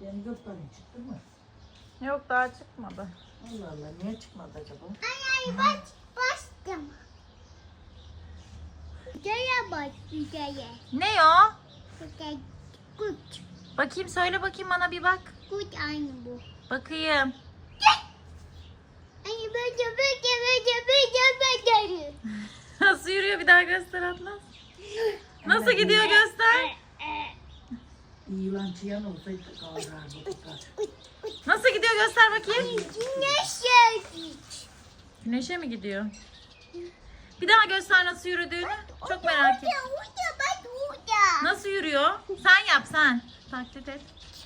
Yani 4 tane çıktı mı? Yok daha çıkmadı. Allah Allah, niye çıkmadı acaba? Ay bastım. Şuraya bak şuraya. Ne o? Şuraya kut. Bakayım söyle bakayım bana bir bak. Kut aynı bu. Bakayım. Ay böyle. Nasıl yürüyor bir daha göster Atlas. Nasıl gidiyor göster. Yılan çıyan olsaydı kaldırırdı tutar. Nasıl gidiyor göster bakayım. Güneş geldi. Güneşe mi gidiyor? Bir daha göster nasıl yürüdüğünü. Çok merak ettim. Huda bak huda. Nasıl yürüyor? Sen yap sen. Taklit et.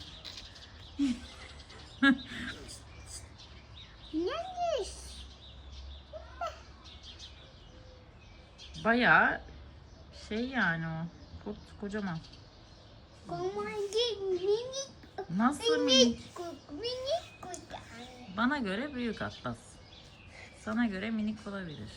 Güneş. Bayağı şey yani o. Kocaman. Komandi minik. Nasıl minik? Minik kut. Bana göre büyük Atlas. Sana göre minik olabilir.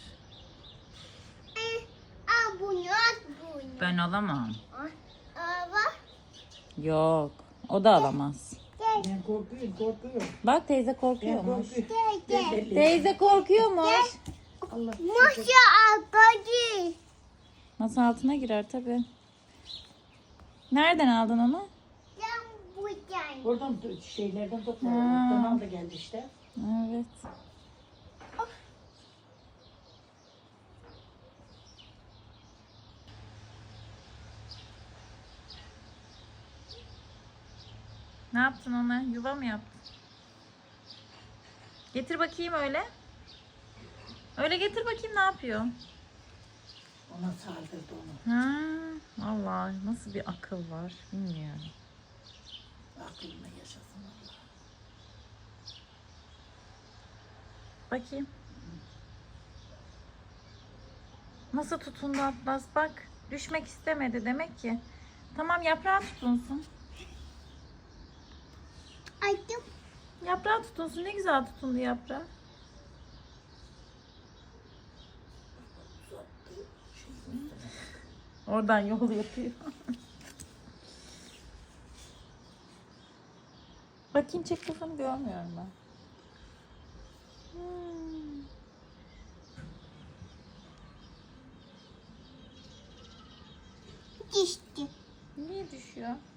Al bunu at bunu. Ben alamam. Al bak. Yok. O da alamaz. Ben korkuyorum. Bak teyze Ben korkuyormuş. korkuyorum. Gel. Teyze korkuyormuş. Allah. Masa arkadaş. Masa altına girer tabii. Nereden aldın onu? Sen buradan. Oradan şeylerden topla. Ha. Oradan al da geldi işte. Evet. Ne yaptın ona? Yuva mı yaptın? Getir bakayım öyle. Öyle getir bakayım ne yapıyor? Ona saldırdı onu. Ha, vallahi nasıl bir akıl var bilmiyorum. Aklına yaşasın Allah. Bakayım. Nasıl tutundu Atlas bak. Düşmek istemedi demek ki. Tamam yaprağı tutunsun. Açtım. Yaprağı tutunsun. Ne güzel tutundu yaprağı. Oradan yol yapıyor. Bakayım çek kafanı görmüyorum ben. Düştü. Niye düşüyor?